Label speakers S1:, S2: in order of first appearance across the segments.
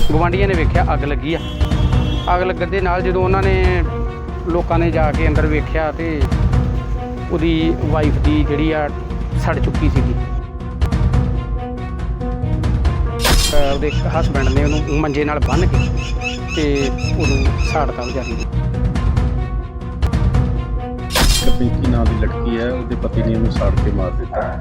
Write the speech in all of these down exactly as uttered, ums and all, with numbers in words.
S1: ਗਵਾਂਢੀਆਂ ਨੇ ਵੇਖਿਆ ਅੱਗ ਲੱਗੀ ਆ। ਅੱਗ ਲੱਗਣ ਦੇ ਨਾਲ ਜਦੋਂ ਉਹਨਾਂ ਨੇ ਲੋਕਾਂ ਨੇ ਜਾ ਕੇ ਅੰਦਰ ਵੇਖਿਆ ਤੇ ਉਹਦੀ ਵਾਈਫ ਦੀ ਜਿਹੜੀ ਆ ਸੜ ਚੁੱਕੀ ਸੀਗੀ। ਉਹਦੇ ਹਸਬੈਂਡ ਨੇ ਉਹਨੂੰ ਮੰਜੇ ਨਾਲ ਬੰਨ੍ਹ ਕੇ ਤੇ ਉਹਨੂੰ ਸਾੜਤਾ ਵਿਚਾਰੀ ਨੂੰ।
S2: ਪਿੰਕੀ ਨਾਂ ਦੀ ਲੜਕੀ ਹੈ, ਉਹਦੇ ਪਤੀ ਨੇ ਉਹਨੂੰ ਸਾੜ ਕੇ ਮਾਰ ਦਿੱਤਾ।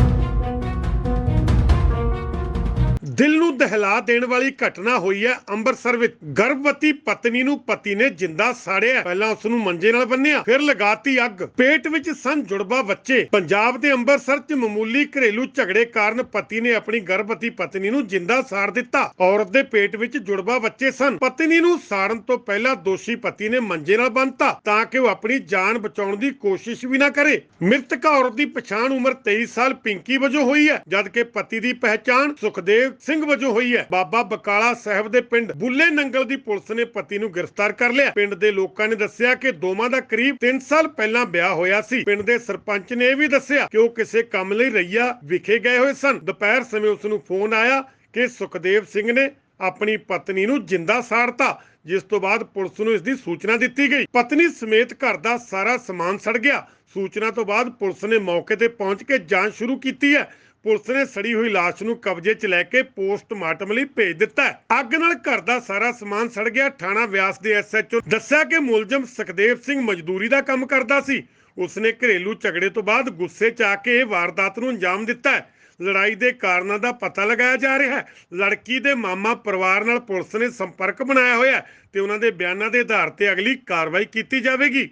S3: ਦਿਲ ਨੂੰ ਦਹਿਲਾ ਦੇਣ ਵਾਲੀ ਘਟਨਾ ਹੋਈ ਹੈ ਅੰਮ੍ਰਿਤਸਰ ਵਿੱਚ। ਗਰਭਵਤੀ ਪਤਨੀ ਨੂੰ ਪਤੀ ਨੇ ਜਿੰਦਾ ਸਾੜਿਆ। ਪਹਿਲਾਂ ਉਸ ਨੂੰ ਮੰਜੇ ਨਾਲ ਬੰਨਿਆ, ਫਿਰ ਲਗਾਤੀ ਅੱਗ। ਪੇਟ ਵਿੱਚ ਸਨ ਜੁੜਵਾ ਬੱਚੇ। ਪੰਜਾਬ ਦੇ ਅੰਮ੍ਰਿਤਸਰ 'ਚ ਮਾਮੂਲੀ ਘਰੇਲੂ ਝਗੜੇ ਕਾਰਨ ਪਤੀ ਨੇ ਆਪਣੀ ਗਰਭਵਤੀ ਪਤਨੀ ਨੂੰ ਜਿੰਦਾ ਸਾੜ ਦਿੱਤਾ। ਔਰਤ ਦੇ ਪੇਟ ਵਿੱਚ ਜੁੜਵਾ ਬੱਚੇ ਸਨ। ਪਤਨੀ ਨੂੰ ਸਾੜਨ ਤੋਂ ਪਹਿਲਾਂ ਦੋਸ਼ੀ ਪਤੀ ਨੇ ਮੰਜੇ ਨਾਲ ਬੰਨ੍ਹਤਾ ਤਾਂ ਕਿ ਉਹ ਆਪਣੀ ਜਾਨ ਬਚਾਉਣ ਦੀ ਕੋਸ਼ਿਸ਼ ਵੀ ਨਾ ਕਰੇ। ਮ੍ਰਿਤਕ ਔਰਤ ਦੀ ਪਛਾਣ ਉਮਰ ਤੇਈ ਸਾਲ ਪਿੰਕੀ ਵਜੋਂ ਹੋਈ ਹੈ, ਜਦਕਿ ਪਤੀ ਦੀ ਪਹਿਚਾਣ ਸੁਖਦੇਵ ਸਿੰਘ ਵਜੋਂ ਹੋਈ ਹੈ। ਬਾਬਾ ਬਕਾਲਾ ਸਾਹਿਬ ਦੇ ਪਿੰਡ ਬੁੱਲੇ ਨੰਗਲ ਦੀ ਪੁਲਿਸ ਨੇ ਪਤੀ ਨੂੰ ਗ੍ਰਿਫਤਾਰ ਕਰ ਲਿਆ। ਪਿੰਡ ਦੇ ਲੋਕਾਂ ਨੇ ਦੱਸਿਆ ਕਿ ਦੋਵਾਂ ਦਾ ਕਰੀਬ ਤਿੰਨ ਸਾਲ ਪਹਿਲਾਂ ਵਿਆਹ ਹੋਇਆ ਸੀ। ਪਿੰਡ ਦੇ ਸਰਪੰਚ ਨੇ ਇਹ ਵੀ ਦੱਸਿਆ ਕਿ ਉਹ ਕਿਸੇ ਕੰਮ ਲਈ ਰਈਆ ਵਿਖੇ ਗਏ ਹੋਏ ਸਨ। ਦੁਪਹਿਰ ਸਮੇਂ ਉਸ ਨੂੰ ਫੋਨ ਆਇਆ ਕਿ ਸੁਖਦੇਵ ਸਿੰਘ ਨੇ ਆਪਣੀ ਪਤਨੀ ਨੂੰ ਜਿੰਦਾ ਸਾੜਤਾ, ਜਿਸ ਤੋਂ ਬਾਅਦ ਪੁਲਿਸ ਨੂੰ ਇਸ ਦੀ ਸੂਚਨਾ ਦਿੱਤੀ ਗਈ। ਪਤਨੀ ਸਮੇਤ ਘਰ ਦਾ ਸਾਰਾ ਸਮਾਨ ਸੜ ਗਿਆ। ਸੂਚਨਾ ਤੋਂ ਬਾਅਦ ਪੁਲਿਸ ਨੇ ਮੌਕੇ ਤੇ ਪਹੁੰਚ ਕੇ ਜਾਂਚ ਸ਼ੁਰੂ ਕੀਤੀ ਹੈ। ਪੁਲਿਸ ਨੇ ਸੜੀ ਹੋਈ ਲਾਸ਼ ਨੂੰ ਕਬਜ਼ੇ 'ਚ ਲੈ ਕੇ ਪੋਸਟਮਾਰਟਮ ਲਈ ਭੇਜ ਦਿੱਤਾ ਹੈ। ਅੱਗ ਨਾਲ ਘਰ ਦਾ ਸਾਰਾ ਸਮਾਨ ਸੜ ਗਿਆ। ਥਾਣਾ ਬਿਆਸ ਦੇ ਐਸ ਐਚ ਓ ਦੱਸਿਆ ਕਿ ਮੁਲਜ਼ਮ ਸੁਖਦੇਵ ਸਿੰਘ ਮਜ਼ਦੂਰੀ ਦਾ ਕੰਮ ਕਰਦਾ ਸੀ। ਉਸਨੇ ਘਰੇਲੂ ਝਗੜੇ ਤੋਂ ਬਾਅਦ ਗੁੱਸੇ 'ਚ ਆ ਕੇ ਇਹ ਵਾਰਦਾਤ ਨੂੰ ਅੰਜਾਮ ਦਿੱਤਾ ਹੈ। ਲੜਾਈ ਦੇ ਕਾਰਨਾਂ ਦਾ ਪਤਾ ਲਗਾਇਆ ਜਾ ਰਿਹਾ ਹੈ। ਲੜਕੀ ਦੇ ਮਾਮਾ ਪਰਿਵਾਰ ਨਾਲ ਪੁਲਿਸ ਨੇ ਸੰਪਰਕ ਬਣਾਇਆ ਹੋਇਆ ਹੈ ਤੇ ਉਹਨਾਂ ਦੇ ਬਿਆਨਾਂ ਦੇ ਆਧਾਰ ਤੇ ਅਗਲੀ ਕਾਰਵਾਈ ਕੀਤੀ ਜਾਵੇਗੀ।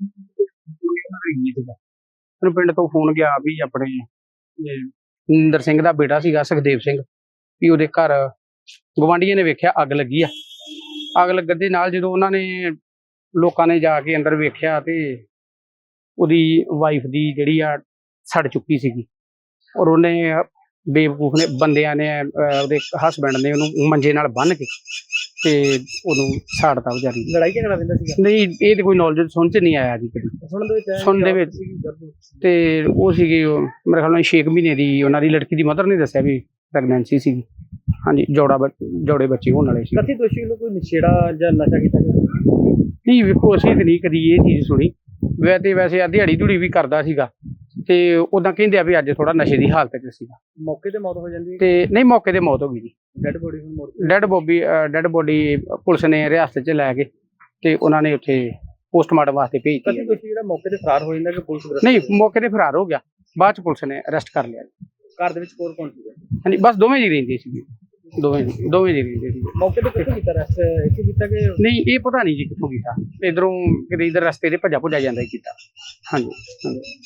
S1: ਪਿੰਡ ਤੋਂ ਫੋਨ ਗਿਆ ਵੀ ਆਪਣੇ ਨਿੰਦਰ ਸਿੰਘ ਦਾ ਬੇਟਾ ਸੀਗਾ ਸੁਖਦੇਵ ਸਿੰਘ, ਵੀ ਉਹਦੇ ਘਰ ਗਵਾਂਢੀਆਂ ਨੇ ਵੇਖਿਆ ਅੱਗ ਲੱਗੀ ਆ। ਅੱਗ ਲੱਗਣ ਦੇ ਨਾਲ ਜਦੋਂ ਉਹਨਾਂ ਨੇ ਲੋਕਾਂ ਨੇ ਜਾ ਕੇ ਅੰਦਰ ਵੇਖਿਆ ਤੇ ਉਹਦੀ ਵਾਈਫ ਦੀ ਜਿਹੜੀ ਆ ਸੜ ਚੁੱਕੀ ਸੀਗੀ। ਔਰ ਉਹਨੇ ਬੇਵਕੂਫ ਨੇ ਬੰਦਿਆਂ ਨੇ ਉਹਦੇ ਹਸਬੈਂਡ ਨੇ ਉਹਨੂੰ ਮੰਜੇ ਨਾਲ ਬੰਨ੍ਹ ਕੇ ਤੇ ਉਹਨੂੰ ਸਾੜਤਾ ਵਿਚਾਰੀ ਨੂੰ।
S4: ਲੜਾਈ ਝਗੜਾ ਰਹਿੰਦਾ ਸੀਗਾ?
S1: ਨਹੀਂ, ਇਹ ਤੇ ਕੋਈ ਨੌਲੇਜ ਸੁਣ ਚ ਨਹੀਂ ਆਇਆ ਜੀ ਕਦੀ।
S4: ਸੁਣਨ ਦੇ ਵਿੱਚ
S1: ਸੁਣਨ ਦੇ ਵਿੱਚ ਤੇ ਉਹ ਸੀਗੀ ਮੇਰੇ ਖਿਆਲ ਨਾਲ ਛੇ ਮਹੀਨੇ ਦੀ ਉਹਨਾਂ ਦੀ ਲੜਕੀ ਦੀ ਮਦਰ ਨੇ ਦੱਸਿਆ ਵੀ ਪ੍ਰੈਗਨੈਂਸੀ ਸੀਗੀ। ਹਾਂਜੀ, ਜੋੜਾ ਜੋੜੇ ਬੱਚੇ ਹੋਣ ਵਾਲੇ ਸੀ।
S4: ਕਥਿ ਦੋਸ਼ੀ ਵੱਲੋਂ ਕੋਈ ਨਸ਼ੇੜਾ ਜਾਂ ਨਸ਼ਾ ਕੀਤਾ ਗਿਆ?
S1: ਨਹੀਂ, ਵੇਖੋ ਅਸੀਂ ਤੇ ਨਹੀਂ ਕਦੀ ਇਹ ਚੀਜ਼ ਸੁਣੀ। ਵੈਸੇ ਤੇ ਵੈਸੇ ਆ ਦਿਹਾੜੀ ਧੂੜੀ ਵੀ ਕਰਦਾ ਸੀਗਾ ਤੇ ਉਦਾਂ ਕਹਿੰਦੇ ਆ ਵੀ ਅੱਜ ਥੋੜਾ ਨਸ਼ੇ ਦੀ ਹਾਲਤ 'ਚ ਸੀਗਾ।
S4: ਮੌਕੇ ਤੇ ਮੌਤ ਹੋ ਜਾਂਦੀ ਹੈ?
S1: ਤੇ ਨਹੀਂ, ਮੌਕੇ ਤੇ ਮੌਤ ਹੋ ਗਈ ਜੀ।
S4: ਡੈਡ ਬੋਡੀ ਹੁਣ ਮੋੜ
S1: dead body dead body police ਨੇ ਰਿਆਸਤ 'ਚ ਲੈ ਕੇ ਤੇ ਉਹਨਾਂ ਨੇ ਉੱਥੇ ਪੋਸਟਮਾਰਟਮ ਵਾਸਤੇ ਭੇਜਤੀ।
S4: ਕਥਿ ਦੋਸ਼ੀ ਜਿਹੜਾ ਮੌਕੇ ਤੇ ਫਰਾਰ ਹੋ ਜਾਂਦਾ ਕਿ ਪੁਲਿਸ ਗ੍ਰਿਫਤਾਰ?
S1: ਨਹੀਂ, ਮੌਕੇ ਤੇ ਫਰਾਰ ਹੋ ਗਿਆ, ਬਾਅਦ 'ਚ ਪੁਲਿਸ ਨੇ ਅਰੈਸਟ ਕਰ ਲਿਆ।
S4: ਘਰ ਦੇ ਵਿੱਚ ਕੋਰ ਕੌਣ ਸੀਗਾ?
S1: ਹਾਂਜੀ, ਬਸ ਦੋਵੇਂ ਜੀ ਰਹਿੰਦੇ ਸੀ, ਦੋਵੇਂ ਦੋਵੇਂ ਜੀ ਰਹਿੰਦੇ ਸੀ।
S4: ਮੌਕੇ ਤੇ ਕਿੱਥੇ ਕੀਤਾ ਰੈਸਟ? ਇੱਥੇ ਕੀਤਾ ਕਿ
S1: ਨਹੀਂ, ਇਹ ਪਤਾ ਨਹੀਂ ਜੀ ਕਿੱਥੋਂ ਕੀਤਾ। ਇਧਰੋਂ ਕਿਤੇ ਇਧਰ ਰਸਤੇ ਤੇ ਭੱਜਾ ਭੁੱਜਾ ਜਾਂਦਾ ਹੀ ਕੀਤਾ। ਹਾਂਜੀ ਹਾਂਜੀ।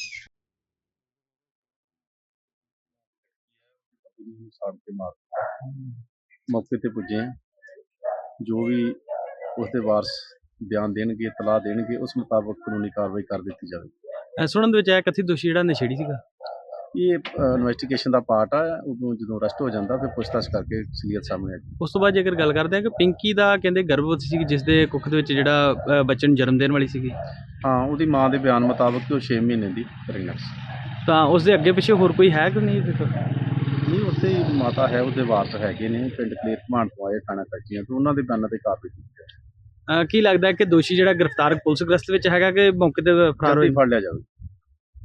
S2: ਸਾੜ ਕੇ ਮਾਰ ਦਿੱਤਾ। ਮੌਕੇ ਤੇ ਪੁੱਜੇ ਹਾਂ, ਜੋ ਵੀ ਉਸਦੇ ਵਾਰਸ ਬਿਆਨ ਦੇਣਗੇ, ਇਤਲਾਹ ਦੇਣਗੇ, ਉਸ ਮੁਤਾਬਕ ਕਾਨੂੰਨੀ ਕਾਰਵਾਈ ਕਰ ਦਿੱਤੀ ਜਾਵੇਗੀ।
S4: ਸੁਣਨ ਦੇ ਵਿੱਚ ਆਇਆ ਕਥਿਤ ਦੋਸ਼ੀ ਜਿਹੜਾ ਨਸ਼ੇੜੀ ਸੀਗਾ?
S2: ਇਹ ਇਨਵੈਸਟੀਗੇਸ਼ਨ ਦਾ ਪਾਰਟ ਆ। ਉਦੋਂ ਜਦੋਂ ਅਰੈਸਟ ਹੋ ਜਾਂਦਾ ਫਿਰ ਪੁੱਛਤਾਛ ਕਰਕੇ ਅਸਲੀਅਤ ਸਾਹਮਣੇ ਆ ਜਾਂਦੀ।
S4: ਉਸ ਤੋਂ ਬਾਅਦ ਜੇਕਰ ਗੱਲ ਕਰਦੇ ਹਾਂ ਕਿ ਪਿੰਕੀ ਦਾ ਕਹਿੰਦੇ ਗਰਭਵਤੀ ਸੀ, ਜਿਸ ਦੇ ਕੁੱਖ ਦੇ ਵਿੱਚ ਜਿਹੜਾ ਅ, ਬੱਚੇ ਨੂੰ ਜਨਮ ਦੇਣ ਵਾਲੀ ਸੀਗੀ,
S2: ਹਾਂ, ਉਹਦੀ ਮਾਂ ਦੇ ਬਿਆਨ ਮੁਤਾਬਕ ਉਹ ਛੇ ਮਹੀਨੇ ਦੀ ਪ੍ਰੈਗਨੈਂਟ ਸੀ।
S4: ਤਾਂ ਉਸ ਦੇ ਅੱਗੇ ਪਿੱਛੇ ਹੋਰ ਕੋਈ ਹੈ ਕਿ ਨਹੀਂ?
S2: ਨਹੀਂ, ਉੱਥੇ ਮਾਤਾ ਹੈ, ਉਹਦੇ ਵਾਰਸ ਹੈਗੇ ਨੇ। ਪਿੰਡ ਕਲੇਰ ਘਮਾਣ ਤੋਂ ਆਏ ਥਾਣਾ ਕੱਚੀਆਂ ਤੋਂ, ਉਹਨਾਂ ਦੇ ਬਿਆਨਾਂ ਤੇ ਕਾਰਵਾਈ ਕੀਤੀ ਜਾਵੇ।
S4: ਅ, ਕੀ ਲੱਗਦਾ ਹੈ ਕਿ ਦੋਸ਼ੀ ਜਿਹੜਾ ਗ੍ਰਿਫਤਾਰ ਪੁਲਿਸ ਗ੍ਰਸਤ ਵਿੱਚ ਹੈਗਾ ਕਿ ਮੌਕੇ ਤੇ ਫਰਾਰ
S2: ਜਲਦੀ
S4: ਹੋਇਆ?
S2: ਫੜ ਲਿਆ ਜਾਵੇ।